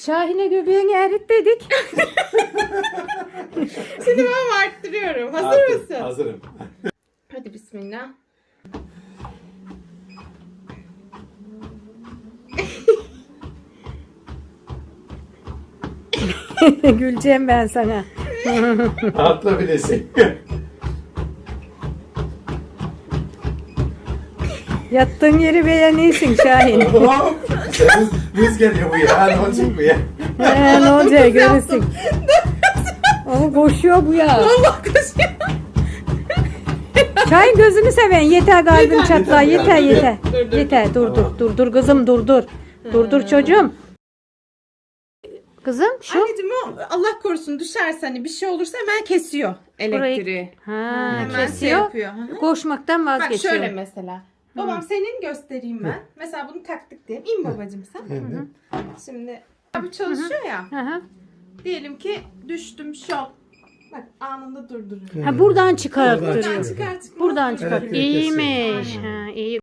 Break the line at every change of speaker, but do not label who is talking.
Şahin'e göbeğini erit dedik.
Şimdi ben arttırıyorum. Hazır mısın?
Hazırım.
Hadi bismillah.
Güleceğim ben sana.
Atla bilesin.
Yattığın yeri beğenirsin Şahin.
Hop. Hız geliyor bu ya. Ne olacak bu ya?
Ne olacak görürsün. Ama koşuyor bu ya.
Allah koşuyor.
Şahin gözünü seven yeter kalbim
Yeter,
çatla yeter
yeter.
yeter.
Dur.
Yeter dur
Tamam.
dur kızım dur. Dur çocuğum. Kızım şu.
Anneciğim o Allah korusun düşerse hani bir şey olursa hemen kesiyor elektriği.
Ha,
Hemen şey
kesiyor.
yapıyor. Hı hı.
Koşmaktan
Bak
vazgeçiyor.
şöyle mesela. Babam senin göstereyim ben. Mesela bunu taktık diyelim. İn babacığım sen. Şimdi abi çalışıyor ya.
Hı hı.
Diyelim ki düştüm şok. Bak anında durduruyor.
Ha buradan çıkarttırıyor.
Çıkar.
Buradan çıkar.
Evet,
İyiymiş. Ha, iyi.